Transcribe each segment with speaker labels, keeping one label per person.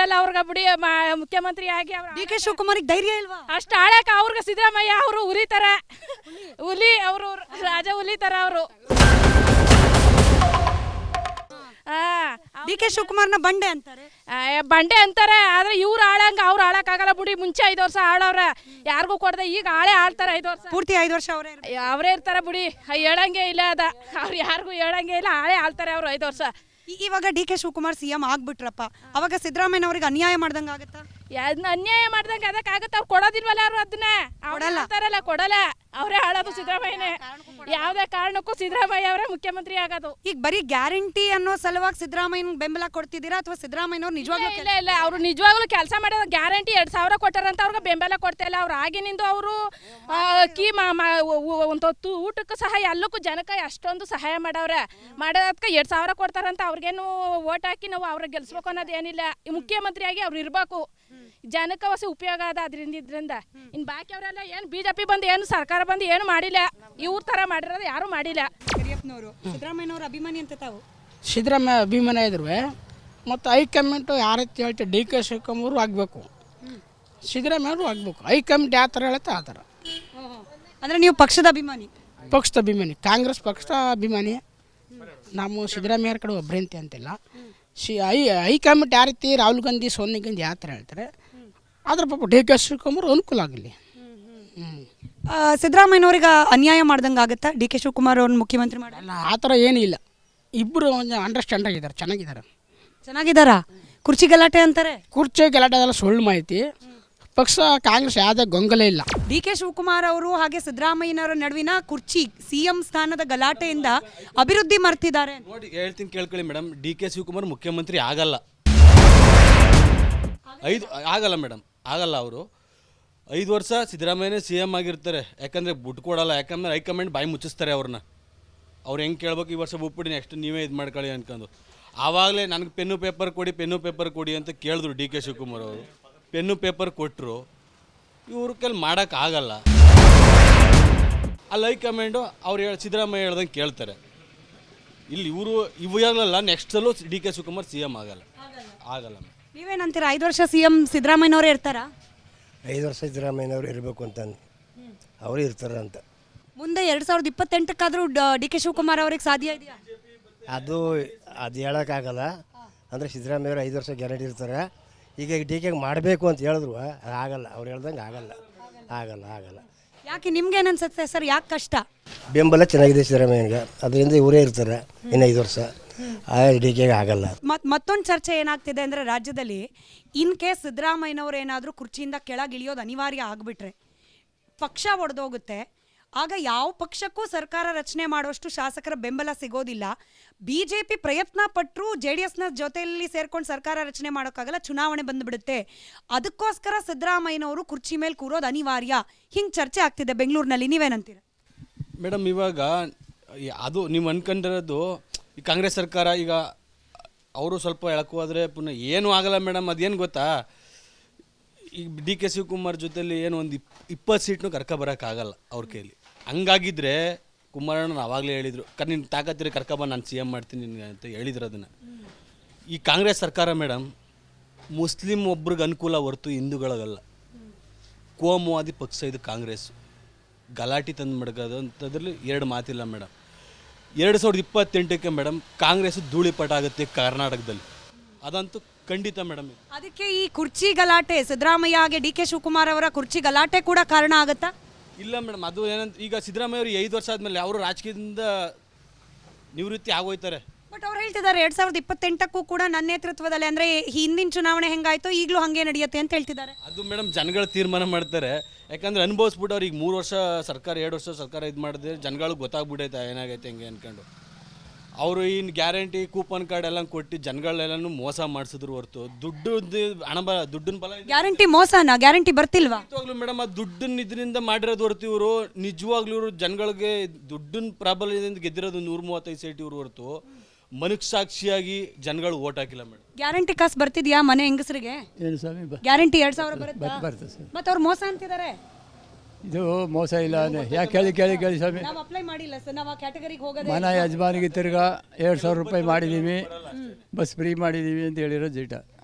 Speaker 1: ಇರಲ್ಲ ಅವ್ರಿಗೆ ಬಿಡಿ ಮುಖ್ಯಮಂತ್ರಿ ಆಗಿ.
Speaker 2: ಡಿ ಕೆ ಶಿವಕುಮಾರ್ ಧೈರ್ಯ ಇಲ್ವಾ?
Speaker 1: ಅಷ್ಟು ಆಳಕ ಅವ್ರಿಗೆ ಸಿದ್ದರಾಮಯ್ಯ ಅವರು ಹುಲಿತಾರ, ಹುಲಿ ಅವರು, ರಾಜ ಹುಲಿತಾರ ಅವರು.
Speaker 2: ಡಿ ಕೆ ಶಿವಕುಮಾರ್ನ ಬಂಡೆ ಅಂತಾರೆ.
Speaker 1: ಬಂಡೆ ಅಂತಾರೆ, ಆದ್ರೆ ಇವ್ರು ಆಳಂಗ ಅವ್ರು ಆಳಕ್ಕಾಗಲ್ಲ ಬಿಡಿ. ಮುಂಚೆ 5 ವರ್ಷ ಆಳವ್ರೆ, ಯಾರಿಗೂ ಕೊಡದೆ. ಈಗ ಆಳ್ತಾರೆ 5 ವರ್ಷ,
Speaker 2: ಪೂರ್ತಿ 5 ವರ್ಷ
Speaker 1: ಅವರೇ ಇರ್ತಾರೆ ಬಿಡಿ. ಹೇಳಂಗೆ ಇಲ್ಲ ಅದ, ಅವ್ರು ಯಾರಿಗೂ ಹೇಳಂಗೆ ಇಲ್ಲ. ಆಳ್ತಾರೆ ಅವ್ರು 5 ವರ್ಷ.
Speaker 2: ಇವಾಗ ಡಿ ಕೆ ಶಿವಕುಮಾರ್ ಸಿಎಂ ಆಗ್ಬಿಟ್ರಪ್ಪ, ಅವಾಗ ಸಿದ್ದರಾಮಯ್ಯ ಅವ್ರಿಗೆ ಅನ್ಯಾಯ ಮಾಡ್ದಂಗ ಆಗತ್ತಾ?
Speaker 1: ಅನ್ಯಾಯ ಮಾಡ್ದಂಗೆ ಅದಕ್ಕಾಗತ್ತ? ಅವ್ರು ಕೊಡೋದಿಲ್ವಲ್ಲ, ಅವ್ರು ಅದನ್ನ ಕೊಡಲ್ಲ, ಕೊಡಲ್ಲ. ಅವರೇ ಆಳೋದು ಸಿದ್ದರಾಮಯ್ಯನೇ. ಯಾವ್ದೇ ಕಾರಣಕ್ಕೂ ಸಿದ್ದರಾಮಯ್ಯ ಅವರೇ ಮುಖ್ಯಮಂತ್ರಿ ಆಗೋದು.
Speaker 2: ಈಗ ಬರೀ ಗ್ಯಾರಂಟಿ ಅನ್ನೋ ಸಲುವಾಗಿ ಸಿದ್ದರಾಮಯ್ಯ ಬೆಂಬಲ ಕೊಡ್ತಿದ್ದೀರಾ ಅಥವಾ ಸಿದ್ದರಾಮಯ್ಯನವ್ರು ನಿಜವಾಗ್ಲೂ?
Speaker 1: ಇಲ್ಲ, ಅವ್ರು ನಿಜವಾಗ್ಲೂ ಕೆಲಸ ಮಾಡೋದು. ಗ್ಯಾರಂಟಿ 2,000 ಕೊಟ್ಟಾರಂತ ಅವ್ರಿಗೆ ಬೆಂಬಲ ಕೊಡ್ತಾ ಇಲ್ಲ. ಅವ್ರು ಆಗಿನಿಂದ ಅವರು ಅಕ್ಕಿ ಒಂದು ಊಟಕ್ಕೂ ಸಹ ಎಲ್ಲಕ್ಕೂ ಜನಕ್ಕೆ ಅಷ್ಟೊಂದು ಸಹಾಯ ಮಾಡವ್ರೆ. ಮಾಡೋದಕ್ಕೆ 2,000 ಕೊಡ್ತಾರಂತ ಅವ್ರಿಗೇನು ಓಟ್ ಹಾಕಿ ನಾವು ಅವ್ರಿಗೆ ಗೆಲ್ಸ್ಬೇಕು ಅನ್ನೋದು ಏನಿಲ್ಲ. ಮುಖ್ಯಮಂತ್ರಿಯಾಗಿ ಅವ್ರು ಇರ್ಬೇಕು, ಜನಕ್ಕೆ ಹೊಸ ಉಪಯೋಗ ಅದ ಇದ್ರಿಂದ. ಇನ್ನು ಬಾಕಿ ಅವರೆಲ್ಲ ಏನು ಬಿಜೆಪಿ ಬಂದು ಏನು ಸರ್ಕಾರ ಬಂದು ಏನು ಮಾಡಿಲ್ಲ. ಇವ್ರ ತರ ಮಾಡಿರೋದು ಯಾರು ಮಾಡಿಲ್ಲ.
Speaker 2: ಸಿದ್ದರಾಮಯ್ಯನವ್ರ ಅಭಿಮಾನಿ ಅಂತ ತಾವು?
Speaker 3: ಸಿದ್ದರಾಮಯ್ಯ ಅಭಿಮಾನಿ ಇದ್ರು ಮತ್ತು ಹೈಕಮಾಂಡ್ ಯಾವ ರೀತಿ ಹೇಳ್ತೀವಿ, ಡಿ ಕೆ ಶಿವಕುಮಾರ್ ಆಗಬೇಕು, ಸಿದ್ದರಾಮಯ್ಯವರು ಆಗಬೇಕು. ಹೈಕಮಾಂಡ್ ಯಾವ ಥರ ಹೇಳುತ್ತೆ ಆ ಥರ.
Speaker 2: ಅಂದರೆ ನೀವು ಪಕ್ಷದ ಅಭಿಮಾನಿ?
Speaker 3: ಪಕ್ಷದ ಅಭಿಮಾನಿ, ಕಾಂಗ್ರೆಸ್ ಪಕ್ಷದ ಅಭಿಮಾನಿ. ನಾವು ಸಿದ್ದರಾಮಯ್ಯರ ಕಡೆ ಒಬ್ಬರಂತೆ ಅಂತಿಲ್ಲ. ಹೈಕಮಾಂಡ್ ಯಾವ ರೀತಿ ರಾಹುಲ್ ಗಾಂಧಿ, ಸೋನಿಯಾ ಗಾಂಧಿ ಯಾವ ಥರ ಹೇಳ್ತಾರೆ ಅದ್ರ ಪಾಪ ಡಿ ಕೆ ಶಿವಕುಮಾರ್ ಅನುಕೂಲ ಆಗಲಿ.
Speaker 2: ಸಿದ್ದರಾಮಯ್ಯನವ್ರಿಗೆ ಅನ್ಯಾಯ ಮಾಡ್ದಂಗೆ ಆಗುತ್ತಾ ಡಿ ಕೆ ಶಿವಕುಮಾರ್ ಅವ್ರನ್ನ ಮುಖ್ಯಮಂತ್ರಿ ಮಾಡಲ್ಲ?
Speaker 3: ಆ ಥರ ಏನೂ ಇಲ್ಲ. ಇಬ್ಬರು ಒಂದು ಅಂಡರ್ಸ್ಟ್ಯಾಂಡ್ ಆಗಿದ್ದಾರೆ,
Speaker 2: ಚೆನ್ನಾಗಿದ್ದಾರಾ? ಕುರ್ಚಿ ಗಲಾಟೆ ಅಂತಾರೆ.
Speaker 3: ಕುರ್ಚಿ ಗಲಾಟೆ ಅದೆಲ್ಲ ಸುಳ್ಳು ಮಾಹಿತಿ. ಪಕ್ಷ ಕಾಂಗ್ರೆಸ್ ಯಾವುದೇ ಗೊಂದಲ ಇಲ್ಲ.
Speaker 2: ಡಿ ಕೆ ಶಿವಕುಮಾರ್ ಅವರು ಹಾಗೆ ಸಿದ್ದರಾಮಯ್ಯನವರ ನಡುವಿನ ಕುರ್ಚಿ ಸಿಎಂ ಸ್ಥಾನದ ಗಲಾಟೆಯಿಂದ ಅಭಿವೃದ್ಧಿ ಮರ್ತಿದ್ದಾರೆ.
Speaker 4: ನೋಡಿ ಹೇಳ್ತೀನಿ ಕೇಳ್ಕೊಳ್ಳಿ ಮೇಡಮ್, ಡಿ ಕೆ ಶಿವಕುಮಾರ್ ಮುಖ್ಯಮಂತ್ರಿ ಆಗಲ್ಲ. ಆಗಲ್ಲ ಮೇಡಮ್, ಆಗಲ್ಲ. ಅವರು 5 ವರ್ಷ ಸಿದ್ದರಾಮಯ್ಯನೇ CM ಆಗಿರ್ತಾರೆ. ಯಾಕಂದರೆ ಬಿಟ್ಟು ಕೊಡಲ್ಲ. ಯಾಕಂದರೆ ಹೈಕಮಾಂಡ್ ಬಾಯಿ ಮುಚ್ಚಿಸ್ತಾರೆ ಅವ್ರನ್ನ. ಅವ್ರು ಹೆಂಗೆ ಕೇಳ್ಬೇಕು, ಈ ವರ್ಷ ಬಿಟ್ಬಿಡಿ, ನೆಕ್ಸ್ಟ್ ನೀವೇ ಇದು ಮಾಡ್ಕೊಳ್ಳಿ ಅನ್ಕೊಂಡು. ಆವಾಗಲೇ ನನಗೆ ಪೆನ್ನು ಪೇಪರ್ ಕೊಡಿ ಅಂತ ಕೇಳಿದ್ರು ಡಿ ಕೆ ಶಿವಕುಮಾರ್ ಅವರು. ಪೆನ್ನು ಪೇಪರ್ ಕೊಟ್ಟರು. ಇವ್ರ ಕೈಲಿ ಮಾಡೋಕ್ಕಾಗಲ್ಲ. ಅಲ್ಲಿ ಹೈಕಮಾಂಡು ಅವ್ರು ಸಿದ್ದರಾಮಯ್ಯ ಹೇಳ್ದಂಗೆ ಕೇಳ್ತಾರೆ. ಇಲ್ಲಿ ಇವಾಗಲಲ್ಲ, ನೆಕ್ಸ್ಟಲ್ಲೂ ಡಿ ಕೆ ಶಿವಕುಮಾರ್ CM ಆಗಲ್ಲ.
Speaker 2: ನೀವೇನಂತೀರಾ? 5 ವರ್ಷ CM ಸಿದ್ದರಾಮಯ್ಯನವರೇ ಇರ್ತಾರಾ?
Speaker 5: 5 ವರ್ಷ ಸಿದ್ದರಾಮಯ್ಯನವರು ಇರಬೇಕು ಅಂತ ಅವರು ಇರ್ತಾರೆ ಅಂತ.
Speaker 2: ಮುಂದೆ 2028ಕ್ಕಾದರೂ ಡಿ ಕೆ ಶಿವಕುಮಾರ್ ಅವ್ರಿಗೆ ಸಾಧ್ಯ ಇದೆಯಾ?
Speaker 5: ಅದು ಹೇಳೋಕ್ಕಾಗಲ್ಲ. ಅಂದರೆ ಸಿದ್ದರಾಮಯ್ಯವರು 5 ವರ್ಷ ಗ್ಯಾರಂಟಿ ಇರ್ತಾರೆ. ಈಗ ಡಿ ಕೆಗೆ ಮಾಡಬೇಕು ಅಂತ ಹೇಳಿದ್ರು ಆಗಲ್ಲ. ಅವ್ರು ಹೇಳ್ದಂಗೆ ಆಗಲ್ಲ.
Speaker 2: ಯಾಕೆ ನಿಮ್ಗೆ ಏನನ್ಸುತ್ತೆ ಸರ್, ಯಾಕೆ ಕಷ್ಟ?
Speaker 5: ಬೆಂಬಲ ಚೆನ್ನಾಗಿದೆ ಸಿದ್ದರಾಮಯ್ಯನಿಗೆ, ಅದರಿಂದ ಇವರೇ ಇರ್ತಾರೆ ಇನ್ನು 5 ವರ್ಷ. ಡಿ ಕೆಗೆ ಆಗಲ್ಲ.
Speaker 2: ಮತ್ತೊಂದು ಚರ್ಚೆ ಏನಾಗ್ತಿದೆ ಅಂದರೆ, ರಾಜ್ಯದಲ್ಲಿ ಇನ್ ಕೇಸ್ ಸಿದ್ದರಾಮಯ್ಯನವರು ಏನಾದರೂ ಕುರ್ಚಿಯಿಂದ ಕೆಳಗಿಳಿಯೋದು ಅನಿವಾರ್ಯ ಆಗಿಬಿಟ್ರೆ ಪಕ್ಷ ಒಡೆದೋಗುತ್ತೆ. ಆಗ ಯಾವ ಪಕ್ಷಕ್ಕೂ ಸರ್ಕಾರ ರಚನೆ ಮಾಡುವಷ್ಟು ಶಾಸಕರ ಬೆಂಬಲ ಸಿಗೋದಿಲ್ಲ. BJP ಪ್ರಯತ್ನ ಪಟ್ಟರು JDSನ ಜೊತೆಯಲ್ಲಿ ಸೇರ್ಕೊಂಡು ಸರ್ಕಾರ ರಚನೆ ಮಾಡೋಕ್ಕಾಗಲ್ಲ, ಚುನಾವಣೆ ಬಂದುಬಿಡುತ್ತೆ. ಅದಕ್ಕೋಸ್ಕರ ಸಿದ್ದರಾಮಯ್ಯನವರು ಕುರ್ಚಿ ಮೇಲೆ ಕೂರೋದು ಅನಿವಾರ್ಯ. ಹಿಂಗೆ ಚರ್ಚೆ ಆಗ್ತಿದೆ ಬೆಂಗಳೂರಿನಲ್ಲಿ. ನೀವೇನಂತೀರ
Speaker 4: ಮೇಡಮ್? ಇವಾಗ ಅದು ನೀವು ಅನ್ಕೊಂಡಿರೋದು ಈ ಕಾಂಗ್ರೆಸ್ ಸರ್ಕಾರ ಈಗ ಅವರು ಸ್ವಲ್ಪ ಎಳಕು ಹೋದರೆ ಪುನಃ ಏನೂ ಆಗಲ್ಲ ಮೇಡಮ್. ಅದೇನು ಗೊತ್ತಾ, ಈಗ ಡಿ ಕೆ ಶಿವಕುಮಾರ್ ಜೊತೆಲಿ ಏನು ಒಂದು 20 ಸೀಟ್ನೂ ಕರ್ಕೊಬರೋಕ್ಕಾಗಲ್ಲ ಅವ್ರ ಕೈಲಿ. ಹಂಗಾಗಿದ್ರೆ ಕುಮಾರಣ್ಣ ಆವಾಗಲೇ ಹೇಳಿದರು, ನಿನ್ನ ತಾಕತ್ತಿರಿ ಕರ್ಕೊಬಂದು ನಾನು CM ಮಾಡ್ತೀನಿ ಅಂತ ಹೇಳಿದ್ರು. ಅದನ್ನು ಈ ಕಾಂಗ್ರೆಸ್ ಸರ್ಕಾರ ಮೇಡಮ್ ಮುಸ್ಲಿಂ ಒಬ್ರಿಗೆ ಅನುಕೂಲ ಹೊರತು ಹಿಂದೂಗಳಿಗಲ್ಲ. ಕೋಮುವಾದಿ ಪಕ್ಷ ಇದು ಕಾಂಗ್ರೆಸ್. ಗಲಾಟೆ ತಂದು ಮಡಗೋದು ಅಂಥದ್ರಲ್ಲಿ 2 ಮಾತಿಲ್ಲ ಮೇಡಮ್. 2028ಕ್ಕೆ ಮೇಡಮ್ ಕಾಂಗ್ರೆಸ್ ಧೂಳಿಪಟ ಆಗುತ್ತೆ ಕರ್ನಾಟಕದಲ್ಲಿ, ಅದಂತೂ ಖಂಡಿತ ಮೇಡಮ್.
Speaker 2: ಅದಕ್ಕೆ ಈ ಕುರ್ಚಿ ಗಲಾಟೆ, ಸಿದ್ದರಾಮಯ್ಯ ಹಾಗೆ ಡಿ ಕೆ ಶಿವಕುಮಾರ್ ಅವರ ಕುರ್ಚಿ ಗಲಾಟೆ ಕೂಡ ಕಾರಣ ಆಗುತ್ತಾ?
Speaker 4: ಇಲ್ಲ ಮೇಡಮ್, ಅದು ಏನಂತ ಈಗ ಸಿದ್ದರಾಮಯ್ಯ ಅವರು 5 ವರ್ಷ ಆದಮೇಲೆ ಅವರು ರಾಜಕೀಯದಿಂದ ನಿವೃತ್ತಿ ಆಗೋಯ್ತಾರೆ.
Speaker 2: ಬಟ್ ಅವ್ರು ಹೇಳ್ತಿದ್ದಾರೆ 2028ಕ್ಕೂ ಕೂಡ ನನ್ನ ನೇತೃತ್ವದಲ್ಲಿ, ಅಂದರೆ ಹಿಂದಿನ ಚುನಾವಣೆ ಹೆಂಗಾಯ್ತು ಈಗಲೂ ಹಾಗೆ ನಡೆಯುತ್ತೆ ಅಂತ ಹೇಳ್ತಿದ್ದಾರೆ.
Speaker 4: ಅದು ಮೇಡಮ್ ಜನಗಳು ತೀರ್ಮಾನ ಮಾಡ್ತಾರೆ. ಯಾಕಂದ್ರೆ ಅನುಭವಿಸ್ಬಿಟ್ಟು ಅವ್ರಿಗೆ 3 ವರ್ಷ ಸರ್ಕಾರ 2 ವರ್ಷ ಸರ್ಕಾರ ಇದು ಮಾಡಿದ್ರೆ ಜನಗಳಿಗೆ ಗೊತ್ತಾಗ್ಬಿಟ್ಟೈತೆ ಏನಾಗೈತೆ ಹೆಂಗೆ ಅಂದ್ಕೊಂಡು. ಅವರು ಇನ್ನು ಗ್ಯಾರಂಟಿ ಕೂಪನ್ ಕಾರ್ಡ್ ಎಲ್ಲ ಕೊಟ್ಟು ಜನಗಳೆಲ್ಲನೂ ಮೋಸ ಮಾಡಿಸಿದ್ರು ಹೊರತು ದುಡ್ಡಿನ ಬಲ.
Speaker 2: ಗ್ಯಾರಂಟಿ ಮೋಸನಾ? ಗ್ಯಾರಂಟಿ ಬರ್ತಿಲ್ವಾ?
Speaker 4: ನಿಜವಾಗ್ಲೂ ಮೇಡಮ್, ಆ ದುಡ್ಡನ್ನ ಇದರಿಂದ ಮಾಡಿರೋದು ಹೊರತು ಇವರು ನಿಜವಾಗ್ಲೂ ಇವರು ಜನಗಳಿಗೆ ದುಡ್ಡಿನ ಪ್ರಾಬಲ್ಯದಿಂದ ಗೆದ್ದಿರೋದು 135 ಸೀಟ್ ಇವರು ಹೊರತು ಮನಸ್ಸಾಕ್ಷಿಯಾಗಿ ಜನಗಳು ಓಟ್ ಹಾಕಿಲ್ಲ ಮೇಡಮ್.
Speaker 2: ಗ್ಯಾರಂಟಿ ಕಾಸು ಬರ್ತಿದ್ಯಾ ಮನೆ ಹೆಂಗಸರಿಗೆ? ಗ್ಯಾರಂಟಿ 2000 ಬರುತ್ತೆ. ಮತ್ತೆ ಅವ್ರು ಮೋಸ ಅಂತಿದ್ದಾರೆ.
Speaker 6: ಇದು ಮೋಸ ಇಲ್ಲ. ಯಾಕೆ ಕೇಳಿ ಸ್ವಾಮಿ,
Speaker 2: ನಾವು ಅಪ್ಲೈ ಮಾಡಿಲ್ಲ ಸರ್, ನಾವು ಆ ಕ್ಯಾಟಗರಿಗೆ ಹೋಗೋದೇ.
Speaker 6: ಮನೆ ಯಜಮಾನಿಗೆ ತಿರ್ಗಾ 2000 ರೂಪಾಯಿ ಮಾಡಿದ್ದೀವಿ, ಬಸ್ ಫ್ರೀ ಮಾಡಿದ್ದೀವಿ ಅಂತ ಹೇಳಿರೋ ಜೀಟ.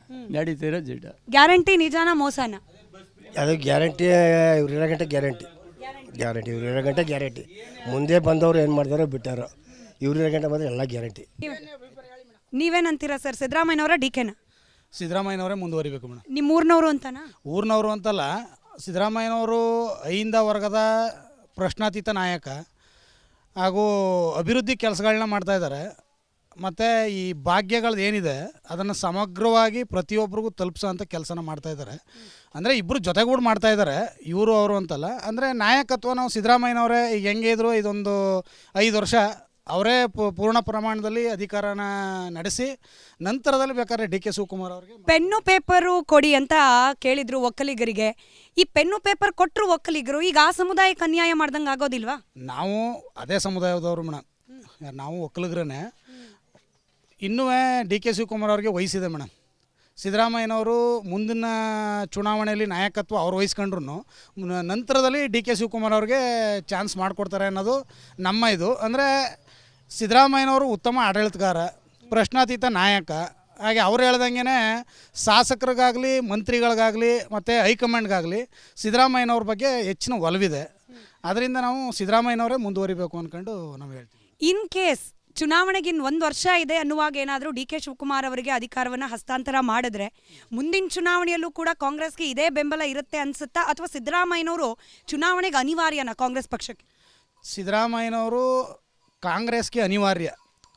Speaker 6: ನಡೀತಿರೋ ಜಿಡ್ಡ.
Speaker 2: ಗ್ಯಾರಂಟಿ ನಿಜಾನ ಮೋಸನ?
Speaker 5: ಅದು ಗ್ಯಾರಂಟಿ, ಇವ್ರು ಇರೋ ಗಂಟೆ ಗ್ಯಾರಂಟಿ, ಇವ್ರು ಇರೋ ಗಂಟೆ ಗ್ಯಾರಂಟಿ. ಮುಂದೆ ಬಂದವರು ಏನು ಮಾಡ್ತಾರೋ ಬಿಟ್ಟಾರೋ, ಇವ್ರು ಇರೋ ಗಂಟೆ ಬಂದರೆ ಎಲ್ಲ ಗ್ಯಾರಂಟಿ.
Speaker 2: ನೀವೇನಂತೀರಾ ಸರ್, ಸಿದ್ದರಾಮಯ್ಯನವರ ಡಿ ಕೆನ?
Speaker 7: ಸಿದ್ದರಾಮಯ್ಯನವರೇ ಮುಂದುವರಿಬೇಕು ಮೇಡಮ್.
Speaker 2: ನಿಮ್ಮ ಊರಿನವರು ಅಂತನಾ?
Speaker 7: ಊರಿನವರು ಅಂತಲ್ಲ, ಸಿದ್ದರಾಮಯ್ಯನವರು ಅಹಿಂದ ವರ್ಗದ ಪ್ರಶ್ನಾತೀತ ನಾಯಕ ಹಾಗೂ ಅಭಿವೃದ್ಧಿ ಕೆಲಸಗಳನ್ನ ಮಾಡ್ತಾಯಿದ್ದಾರೆ. ಮತ್ತು ಈ ಭಾಗ್ಯಗಳದ್ದು ಏನಿದೆ ಅದನ್ನು ಸಮಗ್ರವಾಗಿ ಪ್ರತಿಯೊಬ್ಬರಿಗೂ ತಲುಪಿಸೋ ಅಂಥ ಕೆಲಸನ ಮಾಡ್ತಾಯಿದ್ದಾರೆ. ಅಂದರೆ ಇಬ್ಬರು ಜೊತೆಗೂಡಿ ಮಾಡ್ತಾಯಿದ್ದಾರೆ, ಇವರು ಅವರು ಅಂತಲ್ಲ. ಅಂದರೆ ನಾಯಕತ್ವ ನಾವು ಸಿದ್ದರಾಮಯ್ಯನವರೇ ಈಗ ಹೆಂಗೆ ಇದ್ರು ಇದೊಂದು 5 ವರ್ಷ ಅವರೇ ಪೂರ್ಣ ಪ್ರಮಾಣದಲ್ಲಿ ಅಧಿಕಾರನ ನಡೆಸಿ ನಂತರದಲ್ಲಿ ಬೇಕಾದ್ರೆ ಡಿ ಕೆ ಶಿವಕುಮಾರ್ ಅವರಿಗೆ
Speaker 2: ಪೆನ್ನು ಪೇಪರು ಕೊಡಿ ಅಂತ ಕೇಳಿದ್ರು ಒಕ್ಕಲಿಗರಿಗೆ. ಈ ಪೆನ್ನು ಪೇಪರ್ ಕೊಟ್ಟರು ಒಕ್ಕಲಿಗರು, ಈಗ ಆ ಸಮುದಾಯಕ್ಕೆ ಅನ್ಯಾಯ ಮಾಡ್ದಂಗೆ ಆಗೋದಿಲ್ವಾ?
Speaker 7: ನಾವು ಅದೇ ಸಮುದಾಯದವರು ಮೇಡಮ್, ನಾವು ಒಕ್ಕಲಿಗರೇ. ಇನ್ನೂ ಡಿ ಕೆ ಶಿವಕುಮಾರ್ ಅವ್ರಿಗೆ ವಹಿಸಿದೆ ಮೇಡಮ್. ಸಿದ್ದರಾಮಯ್ಯನವರು ಮುಂದಿನ ಚುನಾವಣೆಯಲ್ಲಿ ನಾಯಕತ್ವ ಅವ್ರು ವಹಿಸ್ಕೊಂಡ್ರು ನಂತರದಲ್ಲಿ ಡಿ ಕೆ ಶಿವಕುಮಾರ್ ಅವ್ರಿಗೆ ಚಾನ್ಸ್ ಮಾಡಿಕೊಡ್ತಾರೆ ಅನ್ನೋದು ನಮ್ಮ ಇದು. ಅಂದರೆ ಸಿದ್ದರಾಮಯ್ಯನವರು ಉತ್ತಮ ಆಡಳಿತಗಾರ, ಪ್ರಶ್ನಾತೀತ ನಾಯಕ. ಹಾಗೆ ಅವ್ರು ಹೇಳ್ದಂಗೆ ಶಾಸಕರಿಗಾಗಲಿ ಮಂತ್ರಿಗಳಿಗಾಗಲಿ ಮತ್ತು ಹೈಕಮಾಂಡ್ಗಾಗಲಿ ಸಿದ್ದರಾಮಯ್ಯನವ್ರ ಬಗ್ಗೆ ಹೆಚ್ಚಿನ ಒಲವಿದೆ. ಅದರಿಂದ ನಾವು ಸಿದ್ದರಾಮಯ್ಯನವರೇ ಮುಂದುವರಿಬೇಕು ಅಂದ್ಕೊಂಡು ನಾವು ಹೇಳ್ತೀವಿ.
Speaker 2: ಇನ್ ಕೇಸ್ ಚುನಾವಣೆಗಿನ್ 1 ವರ್ಷ ಇದೆ ಅನ್ನುವಾಗ ಏನಾದರೂ ಡಿ ಕೆ ಶಿವಕುಮಾರ್ ಅವರಿಗೆ ಅಧಿಕಾರವನ್ನು ಹಸ್ತಾಂತರ ಮಾಡಿದ್ರೆ ಮುಂದಿನ ಚುನಾವಣೆಯಲ್ಲೂ ಕೂಡ ಕಾಂಗ್ರೆಸ್ಗೆ ಇದೇ ಬೆಂಬಲ ಇರುತ್ತೆ ಅನ್ಸುತ್ತಾ, ಅಥವಾ ಸಿದ್ದರಾಮಯ್ಯನವರು ಚುನಾವಣೆಗೆ ಅನಿವಾರ್ಯನಾ ಕಾಂಗ್ರೆಸ್ ಪಕ್ಷಕ್ಕೆ?
Speaker 7: ಸಿದ್ದರಾಮಯ್ಯನವರು ಕಾಂಗ್ರೆಸ್ಗೆ ಅನಿವಾರ್ಯ.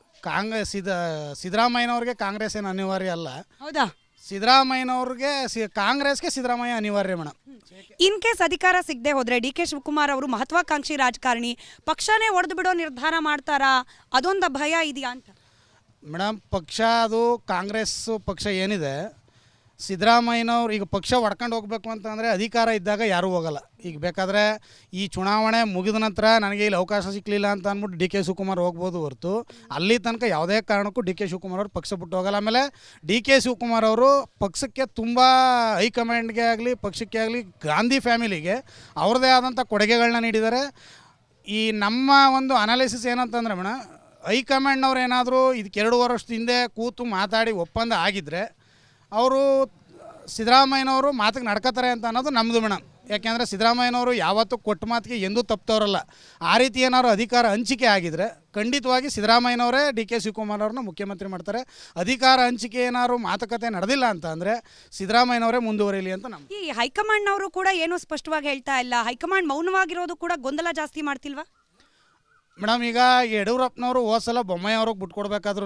Speaker 7: ಸಿದ್ದರಾಮಯ್ಯನವ್ರಿಗೆ ಕಾಂಗ್ರೆಸ್ ಏನು ಅನಿವಾರ್ಯ ಅಲ್ಲ.
Speaker 2: ಹೌದಾ?
Speaker 7: ಸಿದ್ದರಾಮಯ್ಯನವ್ರಿಗೆ ಕಾಂಗ್ರೆಸ್ಗೆ ಸಿದ್ದರಾಮಯ್ಯ ಅನಿವಾರ್ಯ ಮೇಡಮ್.
Speaker 2: ಇನ್ ಕೇಸ್ ಅಧಿಕಾರ ಸಿಗದೆ ಹೋದ್ರೆ ಡಿ ಕೆ ಶಿವಕುಮಾರ್ ಅವರು ಮಹತ್ವಾಕಾಂಕ್ಷಿ ರಾಜಕಾರಣಿ, ಪಕ್ಷನೇ ಒಡೆದು ಬಿಡೋ ನಿರ್ಧಾರ ಮಾಡ್ತಾರಾ? ಅದೊಂದು ಭಯ ಇದೆಯಾ ಅಂತ
Speaker 7: ಮೇಡಮ್. ಪಕ್ಷ ಅದು ಕಾಂಗ್ರೆಸ್ ಪಕ್ಷ ಏನಿದೆ, ಸಿದ್ದರಾಮಯ್ಯನವ್ರು ಈಗ ಪಕ್ಷ ಹೊಡ್ಕೊಂಡು ಹೋಗ್ಬೇಕು ಅಂತಂದರೆ ಅಧಿಕಾರ ಇದ್ದಾಗ ಯಾರೂ ಹೋಗಲ್ಲ. ಈಗ ಬೇಕಾದರೆ ಈ ಚುನಾವಣೆ ಮುಗಿದ ನಂತರ ನನಗೆ ಇಲ್ಲಿ ಅವಕಾಶ ಸಿಕ್ಕಲಿಲ್ಲ ಅಂತ ಅಂದ್ಬಿಟ್ಟು ಡಿ ಕೆ ಶಿವಕುಮಾರ್ ಹೋಗ್ಬೋದು ಹೊರತು ಅಲ್ಲಿ ತನಕ ಯಾವುದೇ ಕಾರಣಕ್ಕೂ ಡಿ ಕೆ ಶಿವಕುಮಾರ್ ಅವರು ಪಕ್ಷ ಬಿಟ್ಟು ಹೋಗಲ್ಲ. ಆಮೇಲೆ ಡಿ ಕೆ ಶಿವಕುಮಾರ್ ಅವರು ಪಕ್ಷಕ್ಕೆ ತುಂಬ ಹೈಕಮಾಂಡ್ಗೆ ಆಗಲಿ ಪಕ್ಷಕ್ಕೆ ಆಗಲಿ ಗಾಂಧಿ ಫ್ಯಾಮಿಲಿಗೆ ಅವ್ರದ್ದೇ ಆದಂಥ ಕೊಡುಗೆಗಳನ್ನ ನೀಡಿದ್ದಾರೆ. ಈ ನಮ್ಮ ಒಂದು ಅನಾಲಿಸಿಸ್ ಏನಂತಂದರೆ ಮೇಡಮ್, ಹೈಕಮಾಂಡ್ನವ್ರು ಏನಾದರೂ ಇದಕ್ಕೆ 2 ವರ್ಷದ ಹಿಂದೆ ಕೂತು ಮಾತಾಡಿ ಒಪ್ಪಂದ ಆಗಿದ್ದರೆ ಅವರು ಸಿದ್ದರಾಮಯ್ಯನವರು ಮಾತಿಗೆ ನಡ್ಕೋತಾರೆ ಅಂತ ಅನ್ನೋದು ನಮ್ಮದು ಮೇಡಮ್. ಯಾಕೆಂದರೆ ಸಿದ್ದರಾಮಯ್ಯನವರು ಯಾವತ್ತೂ ಕೊಟ್ಟ ಮಾತಿಗೆ ಎಂದೂ ತಪ್ಪುತ್ತವರಲ್ಲ. ಆ ರೀತಿ ಏನಾದ್ರು ಅಧಿಕಾರ ಹಂಚಿಕೆ ಆಗಿದ್ದರೆ ಖಂಡಿತವಾಗಿ ಸಿದ್ದರಾಮಯ್ಯನವರೇ ಡಿ ಕೆ ಶಿವಕುಮಾರ್ ಅವ್ರನ್ನ ಮುಖ್ಯಮಂತ್ರಿ ಮಾಡ್ತಾರೆ. ಅಧಿಕಾರ ಹಂಚಿಕೆ ಏನಾದ್ರು ಮಾತುಕತೆ ನಡೆದಿಲ್ಲ ಅಂತ ಅಂದರೆ ಸಿದ್ದರಾಮಯ್ಯನವರೇ ಮುಂದುವರಿಯಲಿ ಅಂತ ನಮ್ಮ.
Speaker 2: ಈ ಹೈಕಮಾಂಡ್ನವರು ಕೂಡ ಏನೂ ಸ್ಪಷ್ಟವಾಗಿ ಹೇಳ್ತಾ ಇಲ್ಲ. ಹೈಕಮಾಂಡ್ ಮೌನವಾಗಿರೋದು ಕೂಡ ಗೊಂದಲ ಜಾಸ್ತಿ ಮಾಡ್ತಿಲ್ವಾ
Speaker 7: ಮೇಡಮ್? ಈಗ ಯಡಿಯೂರಪ್ಪನವರು ಹೋದ ಸಲ ಬೊಮ್ಮಾಯಿ ಅವ್ರಿಗೆ ಬಿಟ್ಕೊಡ್ಬೇಕಾದ್ರೂ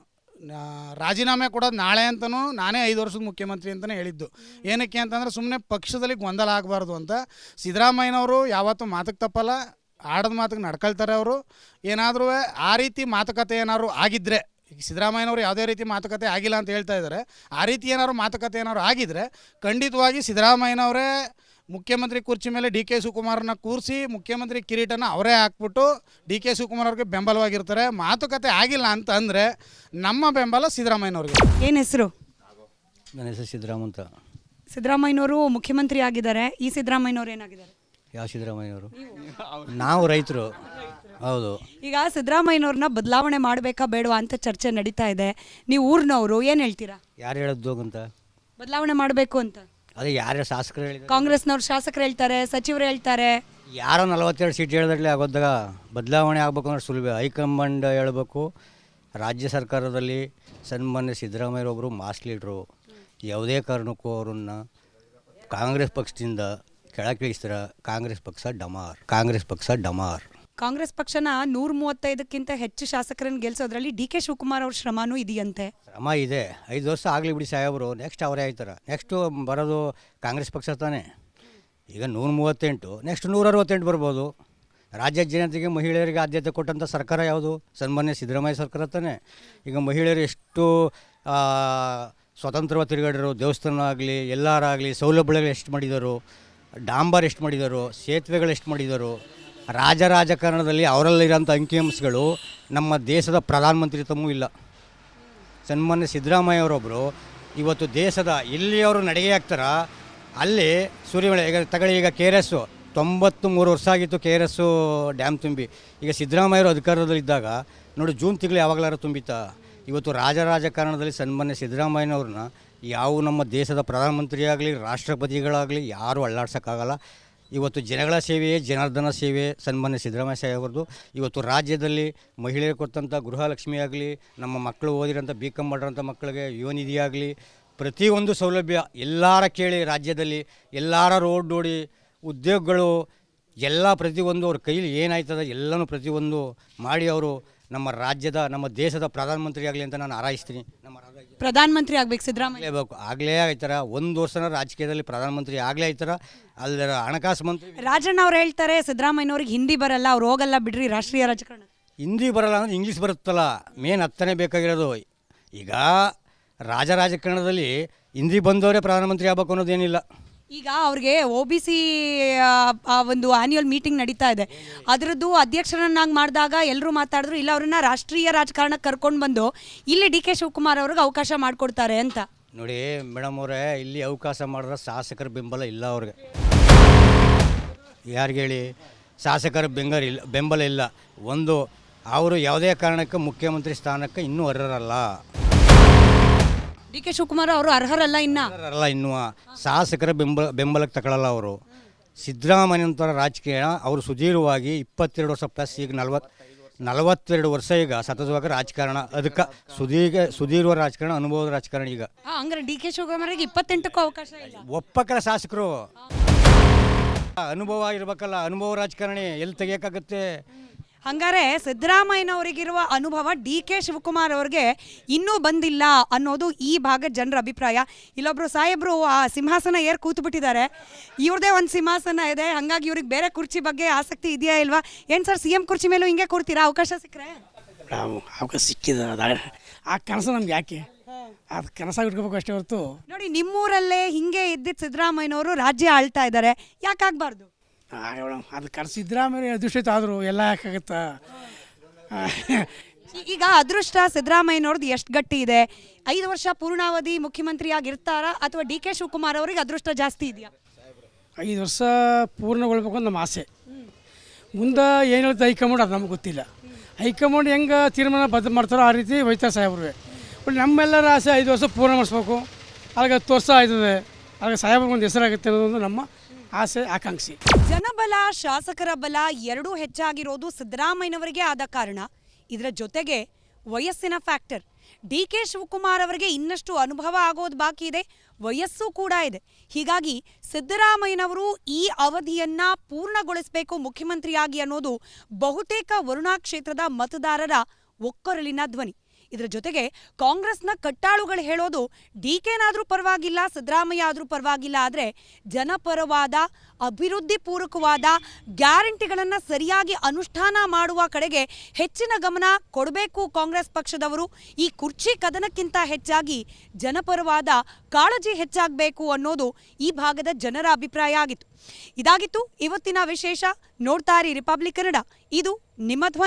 Speaker 7: ರಾಜೀನಾಮೆ ಕೊಡೋದು ನಾಳೆ ಅಂತಲೂ ನಾನೇ 5 ವರ್ಷದ ಮುಖ್ಯಮಂತ್ರಿ ಅಂತಲೇ ಹೇಳಿದ್ದು. ಏನಕ್ಕೆ ಅಂತಂದರೆ ಸುಮ್ಮನೆ ಪಕ್ಷದಲ್ಲಿ ಗೊಂದಲ ಆಗಬಾರ್ದು ಅಂತ. ಸಿದ್ದರಾಮಯ್ಯನವರು ಯಾವತ್ತೂ ಮಾತಕ್ಕೆ ತಪ್ಪಲ್ಲ, ಆಡದ ಮಾತಿಗೆ ನಡ್ಕೊಳ್ತಾರೆ. ಅವರು ಏನಾದರೂ ಆ ರೀತಿ ಮಾತುಕತೆ ಏನಾದ್ರು ಆಗಿದ್ದರೆ, ಈಗ ಸಿದ್ದರಾಮಯ್ಯನವರು ಯಾವುದೇ ರೀತಿ ಮಾತುಕತೆ ಆಗಿಲ್ಲ ಅಂತ ಹೇಳ್ತಾ ಇದ್ದಾರೆ, ಆ ರೀತಿ ಏನಾದ್ರು ಮಾತುಕತೆ ಏನಾದ್ರು ಆಗಿದ್ದರೆ ಖಂಡಿತವಾಗಿ ಸಿದ್ದರಾಮಯ್ಯನವರೇ ಮುಖ್ಯಮಂತ್ರಿ ಕುರ್ಚಿ ಮೇಲೆ ಡಿ ಕೆ ಶಿವಕುಮಾರನ್ನ ಕೂರಿಸಿ ಮುಖ್ಯಮಂತ್ರಿ ಕಿರೀಟನ ಅವರೇ ಹಾಕ್ಬಿಟ್ಟು ಡಿ ಕೆ ಶಿವಕುಮಾರ್ ಅವ್ರಿಗೆ ಬೆಂಬಲವಾಗಿರ್ತಾರೆ. ಮಾತುಕತೆ ಆಗಿಲ್ಲ ಅಂತ ಅಂದರೆ ನಮ್ಮ ಬೆಂಬಲ ಸಿದ್ದರಾಮಯ್ಯನವ್ರಿಗೆ.
Speaker 2: ಏನು ಹೆಸರು?
Speaker 8: ನನ್ನ ಹೆಸರು ಸಿದ್ದರಾಮ ಅಂತ.
Speaker 2: ಸಿದ್ದರಾಮಯ್ಯನವರು ಮುಖ್ಯಮಂತ್ರಿ ಆಗಿದ್ದಾರೆ. ಈ ಸಿದ್ದರಾಮಯ್ಯನವರು ಏನಾಗಿದ್ದಾರೆ?
Speaker 8: ಯಾವ ಸಿದ್ದರಾಮಯ್ಯವರು? ನಾವು ರೈತರು. ಹೌದು.
Speaker 2: ಈಗ ಸಿದ್ದರಾಮಯ್ಯನವ್ರನ್ನ ಬದಲಾವಣೆ ಮಾಡಬೇಕಾ ಬೇಡವಾ ಅಂತ ಚರ್ಚೆ ನಡೀತಾ ಇದೆ. ನೀವು ಊರಿನವರು ಏನು ಹೇಳ್ತೀರಾ?
Speaker 8: ಯಾರು ಹೇಳೋದು ಅಂತ
Speaker 2: ಬದಲಾವಣೆ ಮಾಡಬೇಕು ಅಂತ?
Speaker 8: ಅದೇ ಯಾರ್ಯಾರು ಶಾಸಕರು ಹೇಳಿದ್ರು?
Speaker 2: ಕಾಂಗ್ರೆಸ್ನವ್ರು ಶಾಸಕರು ಹೇಳ್ತಾರೆ, ಸಚಿವರು ಹೇಳ್ತಾರೆ.
Speaker 8: ಯಾರೋ 42 ಸೀಟ್ ಹೇಳಿದಾಗಲೇ ಆಗೋದಾಗ ಬದಲಾವಣೆ ಆಗಬೇಕು ಅಂದ್ರೆ ಸುಲಭ. ಹೈಕಮಾಂಡ್ ಹೇಳಬೇಕು. ರಾಜ್ಯ ಸರ್ಕಾರದಲ್ಲಿ ಸನ್ಮಾನ್ಯ ಸಿದ್ದರಾಮಯ್ಯರೊಬ್ಬರು ಮಾಸ್ ಲೀಡ್ರು. ಯಾವುದೇ ಕಾರಣಕ್ಕೂ ಅವ್ರನ್ನ ಕಾಂಗ್ರೆಸ್ ಪಕ್ಷದಿಂದ ಕೆಳಗಿಳಿಸ್ತಾರೆ. ಕಾಂಗ್ರೆಸ್ ಪಕ್ಷ ಡಮಾರ್.
Speaker 2: ಕಾಂಗ್ರೆಸ್ ಪಕ್ಷನ 135ಕ್ಕಿಂತ ಹೆಚ್ಚು ಶಾಸಕರನ್ನು ಗೆಲ್ಸೋದ್ರಲ್ಲಿ ಡಿ ಕೆ ಶಿವಕುಮಾರ್ ಅವ್ರ ಶ್ರಮನೂ ಇದೆಯಂತೆ.
Speaker 8: ಶ್ರಮ ಇದೆ. 5 ವರ್ಷ ಆಗಲಿ ಬಿಡಿ ಸಾಹೇಬರು, ನೆಕ್ಸ್ಟ್ ಅವರೇ ಆಯ್ತಾರೆ. ನೆಕ್ಸ್ಟು ಬರೋದು ಕಾಂಗ್ರೆಸ್ ಪಕ್ಷ ತಾನೇ. ಈಗ 138, ನೆಕ್ಸ್ಟ್ 168 ಬರ್ಬೋದು. ರಾಜ್ಯ ಜನತೆಗೆ ಮಹಿಳೆಯರಿಗೆ ಆದ್ಯತೆ ಕೊಟ್ಟಂಥ ಸರ್ಕಾರ ಯಾವುದು? ಸನ್ಮಾನ್ಯ ಸಿದ್ದರಾಮಯ್ಯ ಸರ್ಕಾರ ತಾನೇ. ಈಗ ಮಹಿಳೆಯರು ಎಷ್ಟು ಸ್ವತಂತ್ರವಾಗಿ ತಿರುಗಾಡಿರೋ, ದೇವಸ್ಥಾನ ಆಗಲಿ ಎಲ್ಲರಾಗಲಿ ಸೌಲಭ್ಯಗಳು ಎಷ್ಟು ಮಾಡಿದರು, ಡಾಂಬರ್ ಎಷ್ಟು ಮಾಡಿದರು, ಸೇತುವೆಗಳು ಎಷ್ಟು ಮಾಡಿದರು. ರಾಜಕಾರಣದಲ್ಲಿ ಅವರಲ್ಲಿರೋಂಥ ಅಂಕಿಅಂಶಗಳು ನಮ್ಮ ದೇಶದ ಪ್ರಧಾನಮಂತ್ರಿ ತಮ್ಮೂ ಇಲ್ಲ. ಸನ್ಮಾನ್ಯ ಸಿದ್ದರಾಮಯ್ಯವರೊಬ್ಬರು ಇವತ್ತು ದೇಶದ ಎಲ್ಲಿ ಅವರು ನಡಿಗೆ ಆಗ್ತಾರ ಅಲ್ಲಿ ಸೂರ್ಯಮಳೆ. ಈಗ ತಗೊಳ್ಳಿ, ಈಗ KRS 93 ವರ್ಷ ಆಗಿತ್ತು KRS ಡ್ಯಾಮ್ ತುಂಬಿ. ಈಗ ಸಿದ್ದರಾಮಯ್ಯವರು ಅಧಿಕಾರದಲ್ಲಿದ್ದಾಗ ನೋಡಿ ಜೂನ್ ತಿಂಗಳು ಯಾವಾಗಲಾರು ತುಂಬಿತಾ? ಇವತ್ತು ರಾಜಕಾರಣದಲ್ಲಿ ಸನ್ಮಾನ್ಯ ಸಿದ್ದರಾಮಯ್ಯನವ್ರನ್ನ ಯಾವ ನಮ್ಮ ದೇಶದ ಪ್ರಧಾನಮಂತ್ರಿ ಆಗಲಿ ರಾಷ್ಟ್ರಪತಿಗಳಾಗಲಿ ಯಾರೂ ಅಳ್ಳಾಡ್ಸೋಕ್ಕಾಗಲ್ಲ. ಇವತ್ತು ಜನಗಳ ಸೇವೆಯೇ ಜನಾರ್ದನ ಸೇವೆ ಸನ್ಮಾನ್ಯ ಸಿದ್ದರಾಮಯ್ಯ ಸಾಹೇಬ್ರದ್ದು. ಇವತ್ತು ರಾಜ್ಯದಲ್ಲಿ ಮಹಿಳೆಯರು ಕೊಟ್ಟಂಥ ಗೃಹಲಕ್ಷ್ಮಿ ಆಗಲಿ, ನಮ್ಮ ಮಕ್ಕಳು ಓದಿರೋಂಥ BCom ಮಾಡಿರೋಂಥ ಮಕ್ಕಳಿಗೆ ಯುವನಿಧಿ ಆಗಲಿ, ಪ್ರತಿಯೊಂದು ಸೌಲಭ್ಯ ಎಲ್ಲರ ಕೇಳಿ ರಾಜ್ಯದಲ್ಲಿ ಎಲ್ಲರ ರೋಡ್ ನೋಡಿ ಉದ್ಯೋಗಗಳು ಎಲ್ಲ ಪ್ರತಿಯೊಂದು ಅವ್ರ ಕೈಲಿ ಏನಾಯ್ತದೆ ಎಲ್ಲನೂ ಪ್ರತಿಯೊಂದು ಮಾಡಿ ಅವರು ನಮ್ಮ ರಾಜ್ಯದ ನಮ್ಮ ದೇಶದ ಪ್ರಧಾನಮಂತ್ರಿ ಆಗಲಿ ಅಂತ ನಾನು ಹಾರೈಸ್ತೀನಿ. ನಮ್ಮ
Speaker 2: ಪ್ರಧಾನಮಂತ್ರಿ ಆಗ್ಬೇಕು ಸಿದ್ದರಾಮಯ್ಯ.
Speaker 8: ಆಗಲೇ ಆಯ್ತಾರ, ಒಂದು ವರ್ಷನ ರಾಜಕೀಯದಲ್ಲಿ ಪ್ರಧಾನಮಂತ್ರಿ ಆಗಲೇ ಆಯ್ತಾರ. ಅಲ್ಲರ ಹಣಕಾಸು ಮಂತ್ರಿ
Speaker 2: ರಾಜಣ್ಣ ಅವ್ರು ಹೇಳ್ತಾರೆ ಸಿದ್ದರಾಮಯ್ಯನವ್ರಿಗೆ ಹಿಂದಿ ಬರಲ್ಲ, ಅವ್ರು ಹೋಗಲ್ಲ ಬಿಡ್ರಿ ರಾಷ್ಟ್ರೀಯ ರಾಜಕಾರಣ.
Speaker 8: ಹಿಂದಿ ಬರಲ್ಲ ಅಂದ್ರೆ ಇಂಗ್ಲೀಷ್ ಬರುತ್ತಲ್ಲ, ಮೇನ್ ಹತ್ತನೇ ಬೇಕಾಗಿರೋದು. ಈಗ ರಾಜಕಾರಣದಲ್ಲಿ ಹಿಂದಿ ಬಂದವರೇ ಪ್ರಧಾನಮಂತ್ರಿ ಆಗ್ಬೇಕು ಅನ್ನೋದೇನಿಲ್ಲ.
Speaker 2: ಈಗ ಅವ್ರಿಗೆ OBC ಒಂದು ಆನ್ಯುವಲ್ ಮೀಟಿಂಗ್ ನಡೀತಾ ಇದೆ, ಅದರದ್ದು ಅಧ್ಯಕ್ಷರನ್ನಾಗಿ ಮಾಡಿದಾಗ ಎಲ್ಲರೂ ಮಾತಾಡಿದ್ರು, ಇಲ್ಲ ಅವ್ರನ್ನ ರಾಷ್ಟ್ರೀಯ ರಾಜಕಾರಣಕ್ಕೆ ಕರ್ಕೊಂಡು ಬಂದು ಇಲ್ಲಿ DK ಶಿವಕುಮಾರ್ ಅವ್ರಿಗೆ ಅವಕಾಶ ಮಾಡಿಕೊಡ್ತಾರೆ ಅಂತ.
Speaker 8: ನೋಡಿ ಮೇಡಮ್ ಅವರೇ, ಇಲ್ಲಿ ಅವಕಾಶ ಮಾಡಿದ್ರೆ ಶಾಸಕರ ಬೆಂಬಲ ಇಲ್ಲ ಅವ್ರಿಗೆ. ಯಾರಿಗೆ ಹೇಳಿ? ಶಾಸಕರ ಬೆಂಬಲ ಇಲ್ಲ. ಒಂದು, ಅವರು ಯಾವುದೇ ಕಾರಣಕ್ಕೆ ಮುಖ್ಯಮಂತ್ರಿ ಸ್ಥಾನಕ್ಕೆ ಇನ್ನೂ ಅರ್ಹರಲ್ಲ.
Speaker 2: DK ಶಿವಕುಮಾರ್ ಅವರು ಅರ್ಹರಲ್ಲ
Speaker 8: ಇನ್ನೂ ಶಾಸಕರ ಬೆಂಬಲಕ್ಕೆ ತಗೊಳ್ಳಲ್ಲ ಅವರು. ಸಿದ್ದರಾಮಯ್ಯನಂತರ ರಾಜಕೀಯ ಅವರು ಸುದೀರ್ಘವಾಗಿ 22 ವರ್ಷ ಪ್ಲಸ್, ಈಗ 42 ವರ್ಷ ಈಗ ಸತತವಾಗಿ ರಾಜಕಾರಣ. ಅದಕ್ಕೆ ಸುದೀರ್ಘ ರಾಜಕಾರಣ, ಅನುಭವದ ರಾಜಕಾರಣ. ಈಗ
Speaker 2: ಹಂಗಾರೆ DK ಶಿವಕುಮಾರ್ಗೆ 28ಕ್ಕೂ ಅವಕಾಶ ಇಲ್ಲ.
Speaker 8: ಒಪ್ಪಕ್ಕಲ್ಲ ಶಾಸಕರು, ಅನುಭವ ಇರಬೇಕಲ್ಲ. ಅನುಭವ ರಾಜಕಾರಣಿ ಎಲ್ಲಿ ತೆಗಿಯೋಕ್ಕಾಗುತ್ತೆ?
Speaker 2: ಹಂಗಾರೆ ಸಿದ್ದರಾಮಯ್ಯನವರಿಗಿರುವ ಅನುಭವ DK ಶಿವಕುಮಾರ್ ಅವ್ರಿಗೆ ಇನ್ನೂ ಬಂದಿಲ್ಲ ಅನ್ನೋದು ಈ ಭಾಗದ ಜನರ ಅಭಿಪ್ರಾಯ. ಇಲ್ಲೊಬ್ರು ಸಾಹೇಬ್ರು ಆ ಸಿಂಹಾಸನ ಏರ್ ಕೂತು ಬಿಟ್ಟಿದ್ದಾರೆ. ಇವ್ರದೇ ಒಂದು ಸಿಂಹಾಸನ ಇದೆ, ಹಂಗಾಗಿ ಇವ್ರಿಗೆ ಬೇರೆ ಕುರ್ಚಿ ಬಗ್ಗೆ ಆಸಕ್ತಿ ಇದೆಯಾ ಇಲ್ವಾ? ಏನು ಸರ್, CM ಕುರ್ಚಿ ಮೇಲೂ ಹಿಂಗೆ ಕೂರ್ತೀರಾ ಅವಕಾಶ ಸಿಕ್ಕರೆ?
Speaker 3: ಅವಕಾಶ ಸಿಕ್ಕಿದ ಆ ಕನಸು ನಮ್ಗೆ ಯಾಕೆ? ಅದು ಕನಸಾಗಿ ಇಟ್ಕೋಬೇಕು ಅಷ್ಟೇ ಹೊರತು.
Speaker 2: ನೋಡಿ, ನಿಮ್ಮೂರಲ್ಲೇ ಹಿಂಗೆ ಇದ್ದಿದ್ದು ಸಿದ್ದರಾಮಯ್ಯನವರು ರಾಜ್ಯ ಆಳ್ತಾ ಇದ್ದಾರೆ, ಯಾಕಾಗಬಾರ್ದು?
Speaker 3: ಮೇಡಮ್, ಅದು ಕನಸು ಸಿದ್ದರಾಮಯ್ಯ ಅದೃಷ್ಟ ಆದರೂ ಎಲ್ಲ ಯಾಕಾಗತ್ತಾ?
Speaker 2: ಈಗ ಅದೃಷ್ಟ ಸಿದ್ದರಾಮಯ್ಯನವ್ರದ್ದು ಎಷ್ಟು ಗಟ್ಟಿ ಇದೆ? 5 ವರ್ಷ ಪೂರ್ಣಾವಧಿ ಮುಖ್ಯಮಂತ್ರಿ ಆಗಿರ್ತಾರಾ ಅಥವಾ DK ಶಿವಕುಮಾರ್ ಅವ್ರಿಗೆ ಅದೃಷ್ಟ ಜಾಸ್ತಿ ಇದೆಯಾ?
Speaker 3: 5 ವರ್ಷ ಪೂರ್ಣಗೊಳ್ಬೇಕು ಅಂತ ನಮ್ಮ ಆಸೆ. ಮುಂದೆ ಏನು ಹೇಳ್ತಾ ಹೈಕಮಾಂಡ್ ಅದು ನಮ್ಗೆ ಗೊತ್ತಿಲ್ಲ. ಹೈಕಮಾಂಡ್ ಹೆಂಗೆ ತೀರ್ಮಾನ ಬದ್ಧ ಮಾಡ್ತಾರೋ ಆ ರೀತಿ ಹೋಯ್ತಾರೆ ಸಾಹೇಬ್ರಿಗೆ. ಬಟ್ ನಮ್ಮೆಲ್ಲರ ಆಸೆ 5 ವರ್ಷ ಪೂರ್ಣ ಮಾಡಿಸ್ಬೇಕು. ಅಲ್ಲಿಗೆ 10 ವರ್ಷ ಆಯ್ತದೆ, ಅಲ್ಲಿಗೆ ಸಾಹೇಬ್ರಿಗೆ ಒಂದು ಹೆಸರಾಗುತ್ತೆ ಅನ್ನೋದೊಂದು ನಮ್ಮ ಆಸೆ, ಆಕಾಂಕ್ಷೆ.
Speaker 2: ಜನಬಲ, ಶಾಸಕರ ಬಲ ಎರಡೂ ಹೆಚ್ಚಾಗಿರೋದು ಸಿದ್ದರಾಮಯ್ಯನವರಿಗೆ ಆದ ಕಾರಣ. ಇದರ ಜೊತೆಗೆ ವಯಸ್ಸಿನ ಫ್ಯಾಕ್ಟರ್. DK ಶಿವಕುಮಾರ್ ಅವರಿಗೆ ಇನ್ನಷ್ಟು ಅನುಭವ ಆಗೋದು ಬಾಕಿ ಇದೆ, ವಯಸ್ಸು ಕೂಡ ಇದೆ. ಹೀಗಾಗಿ ಸಿದ್ದರಾಮಯ್ಯನವರು ಈ ಅವಧಿಯನ್ನ ಪೂರ್ಣಗೊಳಿಸಬೇಕು ಮುಖ್ಯಮಂತ್ರಿಯಾಗಿ ಅನ್ನೋದು ಬಹುತೇಕ ವರುಣಾ ಕ್ಷೇತ್ರದ ಮತದಾರರ ಒಕ್ಕೊರಲಿನ ಧ್ವನಿ. ಇದರ ಜೊತೆಗೆ ಕಾಂಗ್ರೆಸ್ನ ಕಟ್ಟಾಳುಗಳು ಹೇಳೋದು DKನಾದ್ರೂ ಪರವಾಗಿಲ್ಲ, ಸಿದ್ದರಾಮಯ್ಯ ಆದರೂ ಪರವಾಗಿಲ್ಲ, ಆದರೆ ಜನಪರವಾದ ಅಭಿವೃದ್ಧಿ ಪೂರಕವಾದ ಗ್ಯಾರಂಟಿಗಳನ್ನು ಸರಿಯಾಗಿ ಅನುಷ್ಠಾನ ಮಾಡುವ ಕಡೆಗೆ ಹೆಚ್ಚಿನ ಗಮನ ಕೊಡಬೇಕು ಕಾಂಗ್ರೆಸ್ ಪಕ್ಷದವರು. ಈ ಕುರ್ಚಿ ಕದನಕ್ಕಿಂತ ಹೆಚ್ಚಾಗಿ ಜನಪರವಾದ ಕಾಳಜಿ ಹೆಚ್ಚಾಗಬೇಕು ಅನ್ನೋದು ಈ ಭಾಗದ ಜನರ ಅಭಿಪ್ರಾಯ ಆಗಿತ್ತು. ಇದಾಗಿತ್ತು ಇವತ್ತಿನ ವಿಶೇಷ. ನೋಡ್ತಾ ಇರಿ ರಿಪಬ್ಲಿಕ್ ಕನ್ನಡ, ಇದು ನಿಮ್ಮ ಧ್ವನಿ.